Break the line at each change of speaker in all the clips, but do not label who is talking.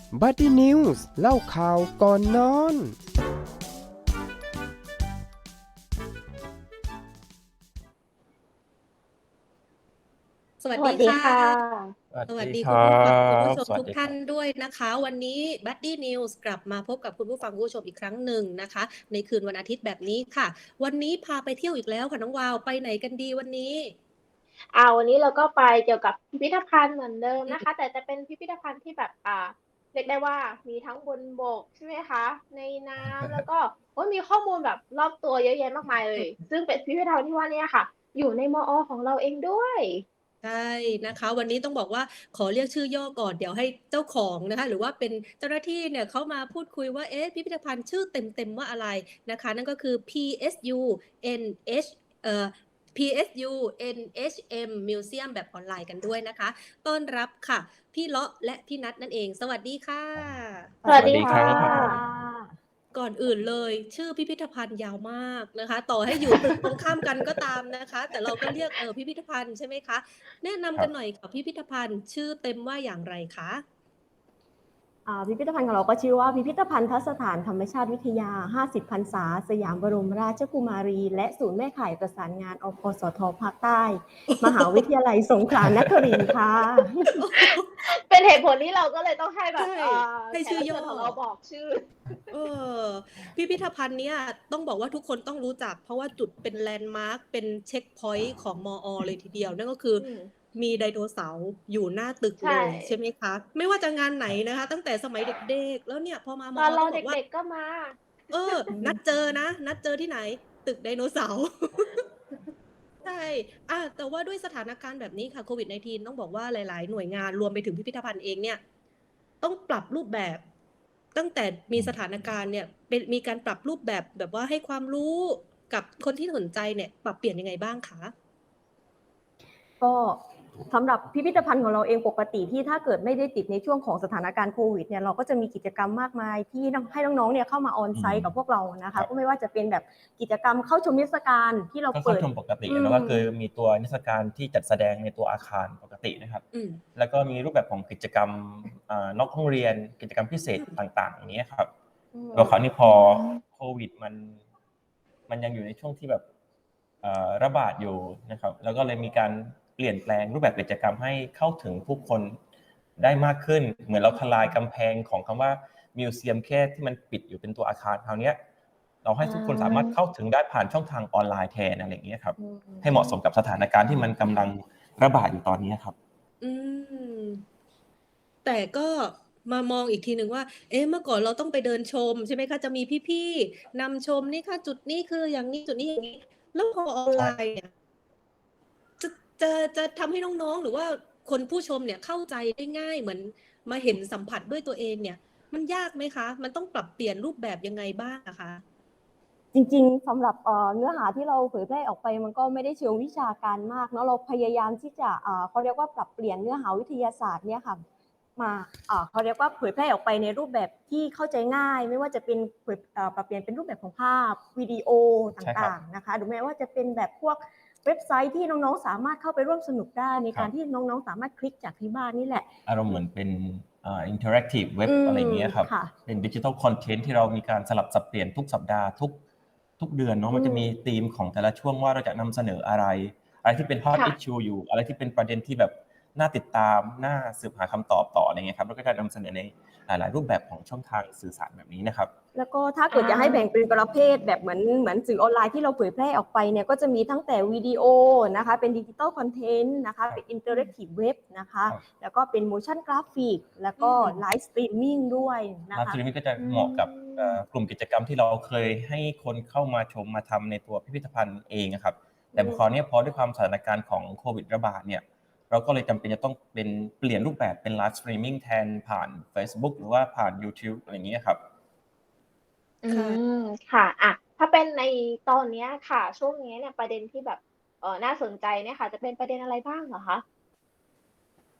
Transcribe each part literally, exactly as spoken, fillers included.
บัดดี้นิวส์เล่าข่าวก่อนนอน
สวั
สวั
สดีค่ะ
สดีค่ะ
สวัส
สวัส
ดี
ดี
ค
คุณ
รั
ผู้ฟังคุณผู้
บ
ชม
สวั
ทุ
ส
ก
ดีค
ท่า
รั
น
บ
ด้วยนะคะ วันนี้ Buddy News กลับมาพบกับคุณผู้ฟังคุณผู้ชมอีกครั้งหนึ่งนะคะ ในคืนวันอาทิตย์แบบนี้ค่ะ วันนี้พาไปเที่ยวอีกแล้วค่ะน้องวาว ไปไหนกันดีวันนี้?
อ่า วันนี้เราก็ไปเกี่ยวกับพิพิธภัณฑ์เหมือนเดิม
อืม
นะคะ แต่จะเป็นพิพิธภัณฑ์ที่แบบ อ่า เรียกได้ว่ามีทั้งบนบก ใช่ไหมคะ ในน้ำ แล้วก็ โอ๊ย มีข้อมูลแบบรอบตัวเยอะแยะมากมายเล
อื
ย
ม
ซึ่งเป็นพิพิธภัณฑ์ที่ว่าเนี่ยค่ะ อยู่ใน มอ. ของเราเองด้วย
ใช่นะคะ วันนี้ต้องบอกว่าขอเรียกชื่อย่อก่อน เดี๋ยวให้เจ้าของนะคะ หรือว่าเป็นเจ้าหน้าที่เนี่ยเขามาพูดคุยว่า เอ๊ะ พิพิธภัณฑ์ชื่อเต็ม ๆ ว่าอะไรนะคะ นั่นก็คือ พี เอส ยู เอ็น เอช เอ่อ พี เอส ยู เอ็น เอช เอ็ม Museum แบบออนไลน์กันด้วยนะคะ ต้อนรับค่ะ พี่เลาะและพี่นัทนั่นเอง สวัสดีค่ะ
สวัส
สวัส
ดี
ดี
ค
ครั่
ะ
บ
ก่อนอื่นเลยชื่อพิพิธภัณฑ์ยาวมากนะคะ ต่อให้อยู่ ตึก ตรงข้ามกันก็ตามนะคะ แต่เราก็เรียก เอ่อ พิพิธภัณฑ์ใช่ไหมคะ? แนะนำ
คร
กััน
บ
หน่อยค่ะ พิพิธภัณฑ์ชื่อเต็มว่าอย่างไรคะ?
อ่า พิพิธภัณฑ์ของเราก็ชื่อว่า พิพิธภัณฑสถานธรรมชาติวิทยา ห้าสิบ พรรษา สยามบรมราชกุมารี และศูนย์แม่ข่ายประสานงาน อพสท. ภาคใต้ มหาวิทยาลัยสงขลานครินทร์ค่ะ
เป็นเหตุผลที่เราก็เลยต้องให้แบ
ใช
บ
่
อ่า
ให้ช
แขกื
่อย
รับเชิ
่อ
ญของเราบอกชื่อ
เออ พิพิธภัณฑ์เนี้ยต้องบอกว่าทุกคนต้องรู้จัก เพราะว่าจุดเป็นแลนด์มาร์ก เป็นเช็กพอยต์ของ มอ. เลยทีเดียว นั่นก็คือ
อืม
มีไดโนเสาร์อยู่หน้าตึก
ใช่
เลยใช่ไหมคะ? ไม่ว่าจะงานไหน
ครับ
นะคะ ตั้งแต่สมัยเด็ก ๆ แล้วเนี่ยพอมา มอ
ตอนเร
ต้
า
องบ
เ
อกว่า
ด็ก ๆ ก็มา
เออ นัดเจอนะ นัดเจอที่ไหน? ตึกไดโนเสาร์ ใช่ อา แต่ว่าด้วยสถานการณ์แบบนี้ค่ะ โควิด 19 ต้องบอกว่าหลาย ๆ หน่วยงานรวมไปถึงพิพิธภัณฑ์เองเนี่ย ต้องปรับรูปแบบ ตั้งแต่มี
อืม
สถานการณ์เนี่ย เป็น มีการปรับรูปแบบ แบบว่าให้ความรู้กับคนที่สนใจเนี่ย ปรับเปลี่ยนยังไงบ้างคะ?
ก็สำหรับพิพิธภัณฑ์ของเราเองปกติที่ถ้าเกิดไม่ได้ติดในช่วงของสถานการณ์โควิดเนี่ย เราก็จะมีกิจกรรมมากมายที่นำ ให้น้อง ๆ เนี่ยเข้ามา
อื
on-site
ม
กับพวกเรานะ
คร
คะ
ับ
ก็ไม่ว่าจะเป็นแบบกิจกรรมเข้าชมนิทรรศการที่เรา
ก็
เ
เข
ป้
า
ิด
ชมปกติ
อื
แล้วก็คือ
ม
มีตัวนิทรรศการที่จัดแสดงในตัวอาคารปกตินะครับ
อืม
แล้วก็มีรูปแบบของกิจกรรม อ่า นอกห้องเรียน กิจกรรมพิเศษ
อืม
ต่าง ๆ อย่างเงี้ยครับ
อืม
แล้วคราวนี้พอโควิดมัน มันยังอยู่ในช่วงที่แบบ เอ่อ ระบาดอยู่นะครับ แล้วก็เลยมีการเปลี่ยนแปลงรูปแบบกิจกรรมให้เข้าถึงผู้คนได้มากขึ้น เหมือนเราทลายกำแพงของคำว่า มิวเซียม แค่ที่มันปิดอยู่เป็นตัวอาคาร คราวเนี้ยเราให้
อ
ทุกคนสามารถ
า
เข้าถึงได้ผ่านช่องทางออนไลน์แทน อะไรอย่างเงี้ยครับ
อื
ให้เหมาะสม
ม
กับสถานการณ์ที่มันกำลังระบาดอยู่ตอนนี้อะครับ
อืม แต่ก็มามองอีกทีหนึ่งว่า เอ๊ะ เมื่อก่อนเราต้องไปเดินชมใช่ไหมคะ? จะมีพี่ ๆ นำชม นี่ค่ะ จุดนี้คืออย่างงี้ จุดนี้อย่างงี้ แล้วพอออน
ใช
ไล่น์เนี่ย จะ จะ จะทำให้น้อง ๆ หรือว่าคนผู้ชมเนี่ยเข้าใจได้ง่าย เหมือนมาเห็นสัมผัสด้วยตัวเองเนี่ย มันยากไหมคะ? มันต้องปรับเปลี่ยนรูปแบบยังไงบ้างอะคะ?
จริง ๆ สำหรับ เอ่อ เนื้อหาที่เราเผยแพร่ออกไปมันก็ไม่ได้เชิงวิชาการมากเนาะ เราพยายามที่จะ อ่า เขาเรียกว่าปรับเปลี่ยนเนื้อหาวิทยาศาสตร์เนี่ยค่ะ มา อ่า เขาเรียกว่าเผยแพร่ออกไปในรูปแบบที่เข้าใจง่าย ไม่ว่าจะเป็นเผย อ่า ปรับเปลี่ยนเป็นรูปแบบของภาพ วิดีโอต
ใช่ครั่บ
าง ๆ นะคะ หรือแม้ว่าจะเป็นแบบพวกเว็บไซต์ที่น้อง ๆ สามารถเข้าไปร่วมสนุกได้ ใน
คร
กัาร
บ
ที่น้อง ๆ สามารถคลิกจากที่บ้านนี่แหละ
อารมณ์เหมือนเป็น อ่า อินเทอร์แอกทิฟเว็บ
อื
อะไรอย่
ม
างเงี้ยครับ
ค่ะ
เป็น Digital Content ที่เรามีการสลับสับเปลี่ยนทุกสัปดาห์ ทุก ทุกเดือนเนาะ
อื
มันจะมี
ม
ธีมของแต่ละช่วงว่าเราจะนำเสนออะไร อะไรที่เป็น Hot
ค่ะ
Issue อยู่ อะไรที่เป็นประเด็นที่แบบน่าติดตาม น่าสืบหาคำตอบต่อ อะไรเงี้ยครับ เราก็จะนำเสนอในหลาย ๆ รูปแบบของช่องทางสื่อสารแบบนี้นะครับ
แล้วก็ถ้าเ
อ
กิดจะให้แบ่ง
า
เป็นประเภทแบบเหมือน เหมือนสื่อออนไลน์ที่เราเผยแพร่ออกไปเนี่ย ก็จะมีตั้งแต่วิดีโอนะคะ เป็น Digital Content นะคะ
คร
เปั็
บ
น
อืม
Interactive Web นะคะ
ครับ
แล้วก็เป็น Motion Graphic แล้ว
อื
ก็
ม
ไลฟ์สตรีมมิงด้วยน
ไ
ะ
ลฟ์
ค
ส
ะ
ตรีมมิงก็จะ
อื
เหมาะกับ เอ่อ
ม
กลุ่มกิจกรรมที่เราเคยให้คนเข้ามาชม มาทำในตัวพิพิธภัณฑ์เองอะครับ
อ
แต่
ืม
คราวเนี้ยพอด้วยความสถานการณ์ของโควิดระบาดเนี่ย เราก็เลยจำเป็นจะต้องเป็น เปลี่ยนรูปแบบเป็นไลฟ์สตรีมมิงแทนผ่านเฟซบุ๊ก หรือว่าผ่านยูทิว อะไรอย่างงี้อะครับ
อื
ค่ะ
ม ค่ะ อะ ถ้าเป็นในตอนเนี้ยค่ะ ช่วงนี้เนี่ยประเด็นที่แบบ เอ่อ น่าสนใจเนี่ยค่ะ จะเป็นประเด็นอะไรบ้างเหรอคะ?
ก็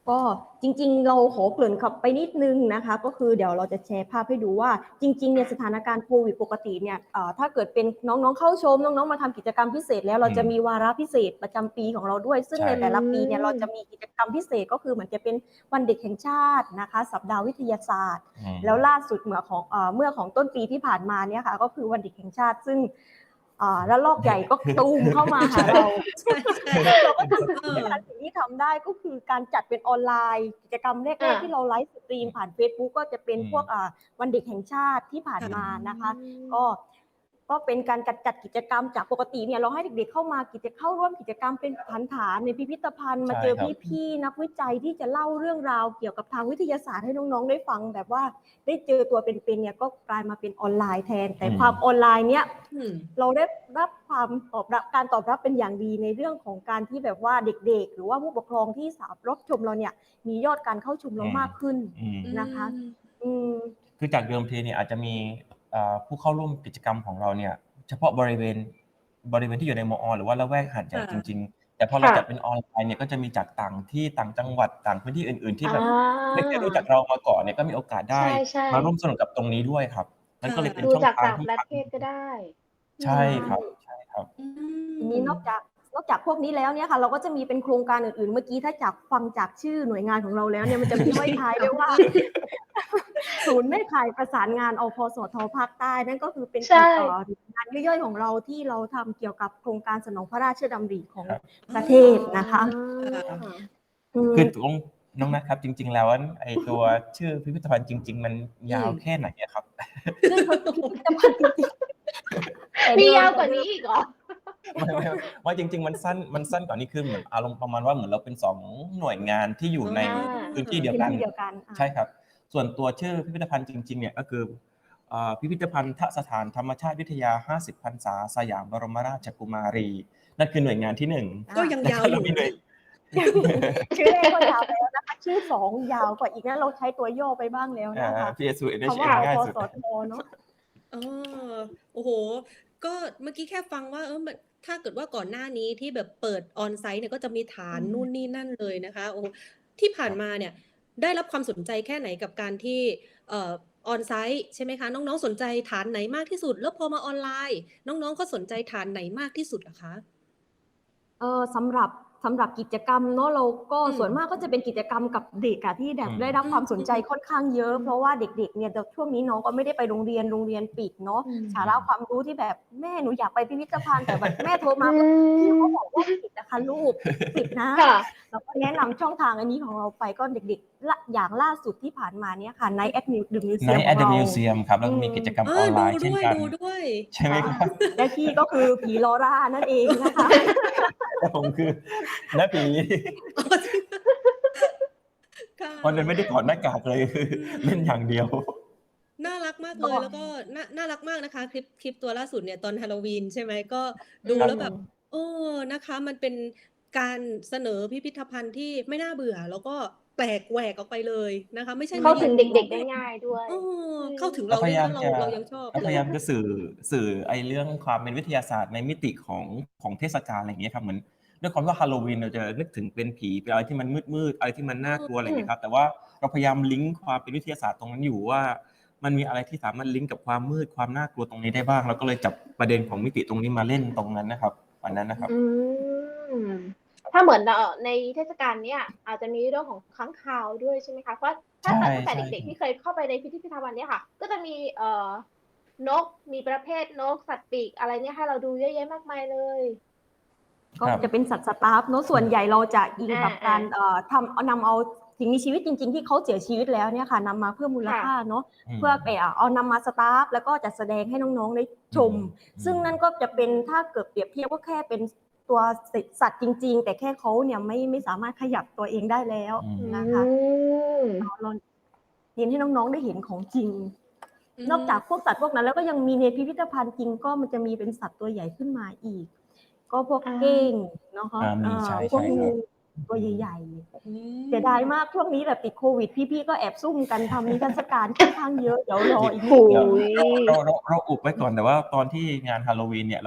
ก็จริงๆเราขอเกริ่นขับไปนิดนึงนะคะก็คือเดี๋ยวเราจะแชร์ภาพให้ดูว่าจริงๆเนี่ยสถานการณ์โควิดปกติเนี่ยเอ่อถ้าเกิดเป็นน้องๆเข้าชมน้องๆมาทำกิจกรรมพิเศษแล้วเราจะมีวาระพิเศษประจำปีของเราด้วยซึ่ง
ใช่
ในแต่ละปีเนี่ยเราจะมีกิจกรรมพิเศษก็คือเหมือนจะเป็นวันเด็กแห่งชาตินะคะสัปดาห์วิทยาศาสตร์
อืม
แล้วล่าสุดเมื่อของเอ่อเมื่อของต้นปีที่ผ่านมาเนี่ยค่ะก็คือวันเด็กแห่งชาติซึ่งอ่าแล้วลอกใหญ่ก็ตูมเข้ามาหาเรา
ใช่ใช่
เราก็ทำ
เออ
สิ่งที่ทำได้ก็คือการจัดเป็นออนไลน์กิจกรรมแรก
อ่า
ๆที่เราไลฟ์สตรีมผ่าน Facebook ก็จะเป็น
อืม
พวกอ่าวันเด็กแห่งชาติที่ผ่านมานะคะ
อืม
ก็ก็เป็นการจัดจัดกิจกรรมจากปกติเนี่ยเราให้เด็กๆเข้ามากิจเข้าร่วมกิจกรรมเป็นฐานฐานในพิพิธภัณฑ์มาเจอ
ใช่ครับ
พี่ๆนักวิจัยที่จะเล่าเรื่องราวเกี่ยวกับทางวิทยาศาสตร์ให้น้องๆได้ฟังแบบว่าได้เจอตัวเป็นๆเนี่ยก็กลายมาเป็นออนไลน์แทน แต่ความออนไลน์เนี่ย
อืม
เราได้รับความตอบรับการตอบรับเป็นอย่างดีในเรื่องของการที่แบบว่าเด็กๆ หรือว่าผู้ปกครองที่สามรับชมเราเนี่ยมียอดการเข้าชมเรามากขึ้น
อืม
นะคะ อืม
คือจากเดิมทีเนี่ยอาจจะมีเอ่อผู้เข้าร่วมกิจกรรมของเราเนี่ยเฉพาะบริเวณบริเวณที่อยู่ในมอ หรือว่าละแวกหาดใหญ่
ค่ะ
จริง ๆ แต่พอเรา
ค่ะ
จัดเป็นออนไลน์เนี่ยก็จะมีจากต่างที่ต่างจังหวัดต่างพื้นที่อื่น ๆ ที่แบบ
อ่า
ไม่เคยรู้จักเรามาก่อนเนี่ยก็มีโอกาสได้
ใช่ใช่
มาร่วมสนุกกับตรงนี้ด้วยครับนั่นก็เลยเป็น
ดู
ช่อง
จาก
ทาง
ต่าง
ที่
ประเทศก็ได้
ใช่ครับใช่ครับ
อื
ที
ม
นี้นอกจากนอกจากพวกนี้แล้วเนี่ยค่ะเราก็จะมีเป็นโครงการอื่นๆ เมื่อกี้ถ้าจากฟังจากชื่อหน่วยงานของเราแล้วเนี่ยมันจะมีห้อยท้ายด้วยว่า ศูนย์แม่ข่ายประสานงานอพสทภาคใต้นั่นก็คือเป็น
ใช่
เอ่องานย่อยๆของเราที่เราทำเกี่ยวกับโครงการสนองพระราชดำริของ
ครับ
ประเทศนะคะ
อ่า
อืม
คือตรงน้องนะครับจริง ๆ แล้วไอ้ตัวชื่อพิพิธภัณฑ์จริง ๆ มันยาว
อืม
แค่ไหนอะครับ
ซึ่งพิพิธภัณฑ์จริงๆแต่
มี
เดิม
ยาวกว่านี้อีกเหรอ
ไม่ไม่ไม่ว่าจริง ๆ มันสั้นมันสั้นกว่านี้คือเหมือนอารมณ์ประมาณว่าเหมือนเราเป็นสองหน่วยงานที่อยู่ใน
อ่า
พื้นที่เดียว
พื้
กัน
นที่เดียวกันอ่ะ
ใช่ครับ ส่วนตัวชื่อพิพิธภัณฑ์จริง ๆ เนี่ยก็คือเอ่อพิพิธภัณฑ์สถานธรรมชาติวิทยา ห้าสิบ พรรษาสยามบรมราชกุมารี นั่นคือหน่วยงานที่หนึ่ง
ก็ยังยาวอยู่
แล้วก็มีหน่วย
ชื่อแรกก็ยาวไปแล้วนะคะชื่อสองยาวกว่าอีกนะเราใช้ตัวย่อไปบ้างแล้ว
อ่า
นะคะ
พี เอส ยู เอ็น เอช
คำ
เอ็
ว่า
ม ง่าย
อพ
สุด
สทเนาะ
อ๋อโอ้โห ก็เมื่อกี้แค่ฟังว่าเออมันถ้าเกิดว่าก่อนหน้านี้ที่แบบเปิดออนไซต์เนี่ยก็จะมีฐาน
อืม
นู่นนี่นั่นเลยนะคะโอ้ที่ผ่านมาเนี่ยได้รับความสนใจแค่ไหนกับการที่เอ่อออนไซต์ใช่ไหมคะ น้องๆสนใจฐานไหนมากที่สุด แล้วพอมาออนไลน์ น้องๆก็สนใจฐานไหนมากที่สุดอะคะ
เออสำหรับสำหรับกิจกรรมเนาะเราก็
อืม
ส่วนมากก็จะเป็นกิจกรรมกับเด็กอะที่แบบ
อืม
ได้รับความสนใจ
อืม
ค่อนข้างเยอะ เพราะว่าเด็กๆเนี่ยแต่ช่วงนี้น้องก็ไม่ได้ไปโรงเรียนโรงเรียนปิดเนาะ
อืม
สาระความรู้ที่แบบแม่หนูอยากไปพิพิธภัณฑ์แต่แบบแม่โทรมา
อื
พี่
ม
เขาบอกว่าปิดนะคะลูกปิดนะ
ค่ะ
เราก็แนะนำช่องทางอันนี้ของเราไปก็เด็กๆละอย่างล่าสุดที่ผ่านมาเนี่ยค่ะในแอดมิวดึงมิวเซียม
Night
ขอ
at
ง
the
เรา
Museum ครับแล้วก็มีกิจกรรม
เอ
ออ
อน
ไล
ดู
น์เช่น
ด้วย
กัน
ดูด้วย
ใช่ไหมครับ
และพี่ก็คือผีลอร่านั่นเองนะคะ
แต่ผมคือน้าผี
อ๋อจริงค่ะ
วันนั้นไม่ได้ถอดหน้ากากเลยคือ
อืม
เล่นอย่างเดียว
น่ารักมากเลย
ก็
แล้วก็น่าน่ารักมากนะคะ คลิปคลิปตัวล่าสุดเนี่ยตอนฮาโลวีนใช่ไหมก็ดู
ครับ
แล้วแบบเออนะคะ มันเป็นการเสนอพิพิธภัณฑ์ที่ไม่น่าเบื่อ แล้วก็แปลกแหวกออกไปเลยนะคะ ไม่ใช่
เข้าถึง
ไม่
เด็ก
ไม่
ๆได้ง่ายด้วย
เออเข้าถึง
เรา
เรา
พ
ด้วย
ยายาม
นะเรา
จะ
เรายังชอบ
เรา
เล
พ
ย
ยายามจะสื่อสื่อไอ้เรื่องความเป็นวิทยาศาสตร์ในมิติของของเทศกาลอะไรอย่างเงี้ยครับเหมือนด้วยความว่าฮาโลวีนเราจะนึกถึงเป็นผีเป็นอะไรที่มันมืดๆอะไรที่มันน่ากลัวอะไรอย่างเงี้ยครับแต่ว่าเราพยายามลิงก์ความเป็นวิทยาศาสตร์ตรงนั้นอยู่ว่า มันมีอะไรที่สามารถลิงก์กับความมืดความน่ากลัวตรงนี้ได้บ้างเราก็เลยจับประเด็นของมิติตรงนี้มาเล่นตรงนั้นนะครับวันนั้นนะครับ
อืม ถ้าเหมือนเอ่อในเทศกาลเนี้ยอาจจะมีเรื่องของค้างคาวด้วยใช่ไหมคะ เพราะถ้า
ใช่
ตั้งแต่
ใช่
เด็กๆที่เคยเข้าไปในพิพิธภัณฑ์เนี้ยค่ะ ก็จะมีเอ่อนก มีประเภทนกสัตว์ปีกอะไรเนี่ยให้เราดูเยอะแยะมากมายเลย
ก็
ครับ
จะเป็นสัตว์สตาฟเนอะส่วนใหญ่เราจะอิงกับ
อ่า
การเอ่อทำเอานำเอาสิ่งมีชีวิตจริง ๆ ที่เขาเสียชีวิตแล้วเนี่ยค่ะนำมาเพิ่มมูลค่าเนาะ
อืม
เพื่อไปเอาเอานำมาสตาฟแล้วก็จัดแสดงให้น้องๆได้ชม
อืม
ซึ่งนั่นก็จะเป็นถ้าเกิดเปรียบเทียบก็แค่เป็นตัวสัตว์จริง ๆ แต่แค่เขาเนี่ยไม่ไม่สามารถขยับตัวเองได้แล้ว
อืม
นะคะ
อืม
เราเราเรียนให้น้องๆได้เห็นของจริง
อืม
นอกจากพวกสัตว์พวกนั้นแล้วก็ยังมีในพิพิธภัณฑ์จริงก็มันจะมีเป็นสัตว์ตัวใหญ่ขึ้นมาอีก ก็พวก
อ่า
เก้งเนาะ
อ่ามีใช่
พวก
ใช่ครับ
งูตัวใหญ่
อืม
ๆเสียดายมากช่วงนี้แบบติดโควิดพี่ๆก็แอบซุ่มกันทำนิทรรศการค่อนข้างเยอะเดี๋ยวรออีกนิด
โอ้
นึง
ย
เราเราเราเราอุบไว้ก่อนแต่ว่าตอนที่งานฮาโลวีนเนี่ยเราก็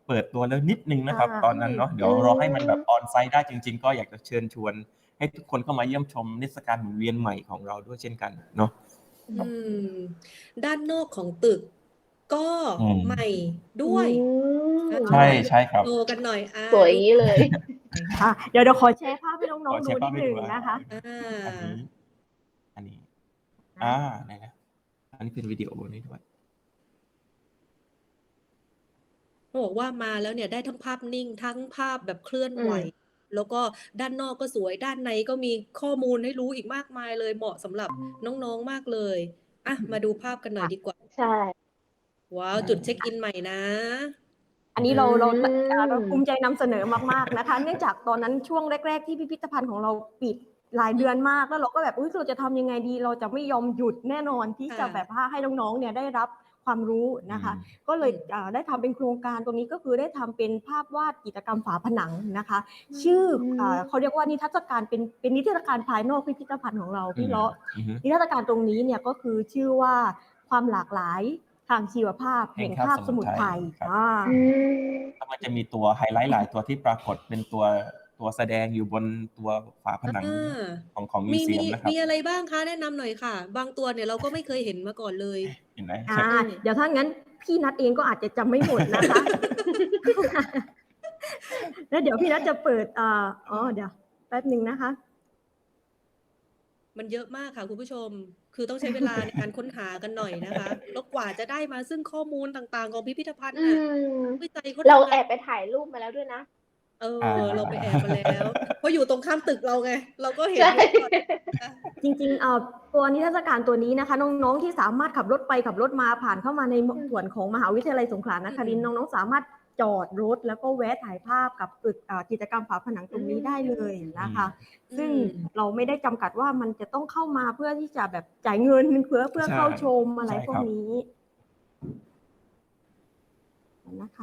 เปิดตัวแล้วนิดนึงนะครับ
อ่า
ตอนนั้นเนาะเดี๋ยวรอให้มันแบบออนไซต์ได้จริง ๆ ก็อยากจะเชิญชวนให้ทุกคนเข้ามาเยี่ยมชมนิทรรศการหมุนเวียนใหม่ของเราด้วยเช่นกันเนาะ
อืมด้านนอกของตึกก็
อืม
ใหม่ด้วย
อืม
อ่ะ
ใช่ใช่ครับ
โชว์กันหน่อยอ่ะ
สวยอย่างนี้เลย
อ่ะเดี๋ยวเดี๋ยวขอแชร์ภาพให้น้อง
ขอ
ๆ
แช
ดู
ร์
นิ
ภาพ
ด
ให้
ห
ดู
นึ่ง
อ่ะ
นะคะ
อ่า
อันนี้ อันนี้ อ่าไหนนะอันนี้เป็นวิดีโอนี้ด้วย
เขาบอกว่ามาแล้วเนี่ยได้ทั้งภาพนิ่งทั้งภาพแบบเคลื่อนไหว
อืม
แล้วก็ด้านนอกก็สวยด้านในก็มีข้อมูลให้รู้อีกมากมายเลยเหมาะสำหรับน้องๆมากเลยอ่ะมาดูภาพกันหน่อยดีกว่า
ใช่
ว้าวจุดเช็คอินใหม่นะ
อันนี้เราเรา
อืม
เราภูมิใจนำเสนอมากๆนะคะ เนื่องจากตอนนั้นช่วงแรก ๆ ที่พิพิธภัณฑ์ของเราปิดหลายเดือนมากแล้วเราก็แบบอุ๊ยเราจะทำยังไงดี เราจะไม่ยอมหยุดแน่นอนที่จะ
ค่ะ
แบบว่าให้น้องๆเนี่ยได้รับความรู้นะคะ ก็เลย
อืม
อ่าได้ทำเป็นโครงการตรงนี้ก็คือได้ทำเป็นภาพวาดจิตรกรรมฝาผนังนะคะ ชื่ออ่าเขาเรียกว่านิทรรศการเป็นเป็นนิทรรศการภายนอกพิพิธภัณฑ์ของเราพี่เลาะ
อือฮึ
นิทรรศการตรงนี้เนี่ยก็คือชื่อว่าความหลากหลายทางชีวภาพ
แห่
แห่
ง
ง
คา
คา
บบ ส
ส
มุ
มุ
ท
ท
ร
ร
ไท
ไท
ย
ย
ครับ
อ่า
อืม
แล้วมันจะมีตัวไฮไลท์หลายตัวที่ปรากฏเป็นตัวตัวแสดงอยู่บนตัวฝาผนัง
อ่า
ของของมิ
มี
วเซี
มี
ยมนะครับ
มีอะไรบ้างคะแนะนำหน่อยค่ะ บางตัวเนี่ยเราก็ไม่เคยเห็นมาก่อนเลย
เห็นไหม
อ่า
อืม
เดี๋ยวถ้างั้นพี่นัทเองก็อาจจะจำไม่หมดนะคะ แล้วเดี๋ยวพี่นัทจะเปิดอ่าอ๋อเดี๋ยวแป๊บหนึ่งนะคะ
มันเยอะมากค่ะคุณผู้ชม คือต้องใช้เวลาในการค้นหากันหน่อยนะคะ แล้วกว่าจะได้มาซึ่งข้อมูลต่างๆ ของพิพิธภัณฑ์
อื
น่ะ
ม
วิจัยเขา
เรา
ทำ
แอง
าน
บไปถ่ายรูปมาแล้วด้วยนะ
เอ
อ่า
อ เราไปแอบมาแล้ว เพราะอยู่ตรงข้ามตึกเราไง เราก็เห็น
ใช่
อยู่ก่อนนะ
จริงๆเอ่อตัวนิทรรศการตัวนี้นะคะ น้องๆที่สามารถขับรถไปขับรถมาผ่านเข้ามาใน
อืม
ส่วนของมหาวิทยาลัยสงขลานครินทร์
อืม
น้องๆสามารถจอดรถแล้วก็แวะถ่ายภาพกับตึกอ่ากิจกรรมฝาผนังตรงนี้ได้เลยนะคะ ซึ่ง
อืม
เราไม่ได้จำกัดว่ามันจะต้องเข้ามาเพื่อที่จะแบบจ่ายเงินเพื่อเพื่อ
ใช่
เข้าชมอะไร
ใช่
พว
ค
ก
รับ
นี้นะคะ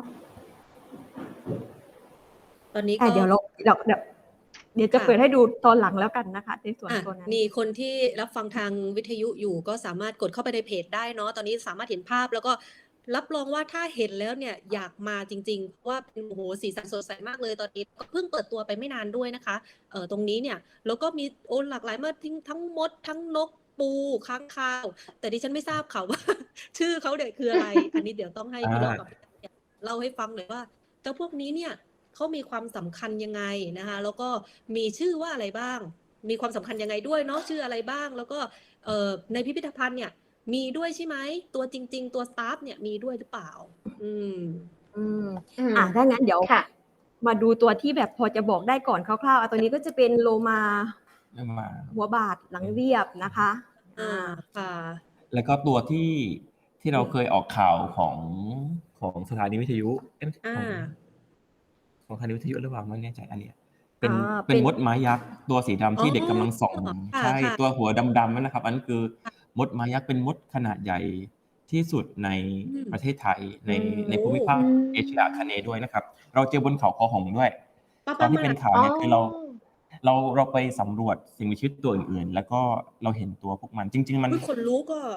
ตอนนี้
อ่ะ
ก็
เดี๋ยวเราเดี๋ยวเดี๋ยวเดี๋ยวจะ
ค่ะ
เปิดให้ดูตอนหลังแล้วกันนะคะ ในส่วน
อ่ะ
ตัวนั้น
มีคนที่รับฟังทางวิทยุอยู่ก็สามารถกดเข้าไปในเพจได้เนาะ ตอนนี้สามารถเห็นภาพแล้วก็รับรองว่าถ้าเห็นแล้วเนี่ยอยากมาจริงๆเพราะว่าเป็นโอ้โหสีสันสดใสมากเลยตอนนี้ก็เพิ่งเปิดตัวไปไม่นานด้วยนะคะเอ่อตรงนี้เนี่ยแล้วก็มีโอ้หลากหลายมากทั้งทั้งมด ทั้งนกปูค้างคาว แต่ดิฉันไม่ทราบค่ะว่า ชื่อเขาเนี่ยคืออะไร อันนี้เดี๋ยวต้องให้พี่เลาะกับพี่นัทเนี่ยเล่าให้ฟังหน่อยว่าเจ้าพวกนี้เนี่ยเขามีความสำคัญยังไงนะคะแล้วก็มีชื่อว่าอะไรบ้าง มีความสำคัญยังไงด้วยเนาะชื่ออะไรบ้าง แล้วก็เอ่อในพิพิธภัณฑ์เนี่ยมีด้วยใช่ไหมตัวจริง ๆ ตัวสตาฟเนี่ยมีด้วยหรือเปล่า อืม
อืม
อืม
อ่ะถ้างั้นเดี๋ยว
ค่ะ
มาดูตัวที่แบบพอจะบอกได้ก่อนคร่าวๆอ่ะตัวนี้ก็จะเป็นโลมา
เริ่มมา
หัวบาทหลังเรียบนะคะ
อ่า
อ่า
ค่ะ
แล้วก็ตัวที่ที่เรา
อืม
เคยออกข่าวของของสถานีวิทยุเอ๊ะ
อ่า
ของของสถานีวิทยุหรือเปล่าไม่แน่ใจอันเนี้ยเป็น
อ่า
เป็น
เป็น
มดไม้ยักษ์ตัวสีดำที่
อ๋อ
เด็กกำลังส่อง
ค่ะ
ใช่
ค่ะ
ตัวหัวดำๆนั่นนะครับ อันนั้นคือมดไม้ยักษ์เป็นมดขนาดใหญ่ที่สุดใน
อืม
ประเทศไทยใน
อืม
ในภูมิภาค
อืม
เอเชียอาคเนย์ด้วยนะครับ เราเจอบนเขาคอหงส์ด้วย
ประ
ตอนที่
มา
เป็
ณ
นข่าว
อ๋อ
เนี่ยคือเราเราเราไปสำรวจสิ่งมีชีวิตตัวอื่นๆ แล้วก็เราเห็นตัวพวกมันจริง ๆ มัน
อุ๊ยขนลุกอ่ะ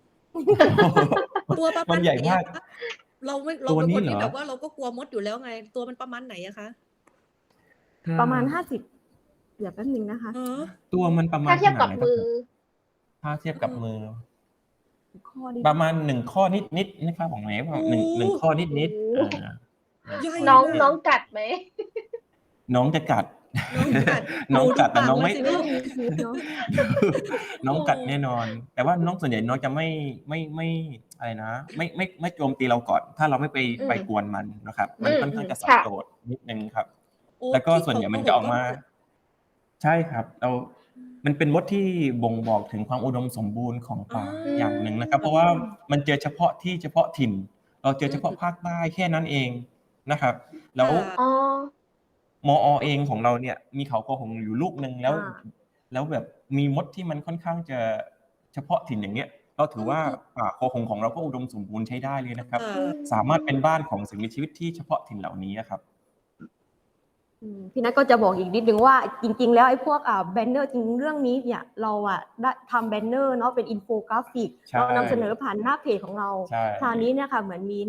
ตัวประ
มั
มาณ
น
ไห
ให
น
ญ่มา
อะ
ก
คะเราไม่ เรา
ตัว
เป็น
นี้
คน
เหร
ที่
อ
แบบว่าเราก็กลัวมดอยู่แล้วไง ตัวมันประมาณไหนอะคะ
ถ้า
ประมาณห้าสิบเดี๋ยวแป๊บนึงนะคะ
ฮะ
ตัวมันประมา
ถ้า
ณ
เทียบ
ข
กับ
นาดไหน
มือ
ถ้าเทียบกับมือ
ข้อนี้
ประมาณหนึ่งข้อนิดๆนะครับของไหน
โอ้
หนึ่งหนึ่งข้อนิดๆ
โอ้
อ่า
ใหญ่
น้อง
มาก
น้องกัดไหม
น้องจะกัด
น้องกัด
น้อง
ดู
กัดแต่
ปาก
น้อง
มัน
ไม่
สิ
ไม่
ลูก
มีพิษเนาะ
น้อง
โอ้
กัดแน่นอน แต่ว่าน้องส่วนใหญ่น้องจะไม่ไม่ไม่อะไรนะ ไม่ไม่ไม่โจมตีเราก่อน ถ้าเราไม่ไป
อืม
ไปกวนมันนะครับ
อื
มัน
ม
ค่อน
อื
ข้าง
ม
จะสับ
ค่ะ
โจษนิดนึงครับ
โอ้
แล้วก็
ที่
ส่วน
เขา
ใหญ่
โก
มัน
ห
จะ
ก
ออก
ก็
มา
คือ
ใช่ครับ เรา มันเป็นมดที่บ่งบอกถึงความอุดมสมบูรณ์ของ
อ๋อ
ป่าอย่างหนึ่งนะครับ เพราะว่ามันเจอเฉพาะที่เฉพาะถิ่น เราเจอ
อื
เฉพาะ
ม
ภาคใต้แค่นั้นเองนะครับ แล้ว
ค่ะ
อ๋อ
มอ เองของเราเนี่ยมีเขาคอหงส์อยู่ลูกหนึ่งแล้ว
อ่า
แล้วแบบมีมดที่มันค่อนข้างจะเฉพาะถิ่นอย่างเงี้ย เราถือว่า
อืม
ป่าคอหงส์ของเราก็อุดมสมบูรณ์ใช้ได้เลยนะครับ
ค่ะ
อืม
สามารถเป็นบ้านของสิ่งมีชีวิตที่เฉพาะถิ่นเหล่านี้อะครับ
อืมพี่นัทก็จะบอกอีกนิดนึงว่าจริงๆ แล้วไอ้พวกอ่าแบนเนอร์จริงๆเรื่องนี้เนี่ยเราอ่ะได้ทำแบนเนอร์เนาะเป็นอินโฟกราฟิก
ใช่
เรานำเสนอผ่านหน้าเพจของเรา
ใช่
คราวนี้เนี่ยค่ะเหมือนมี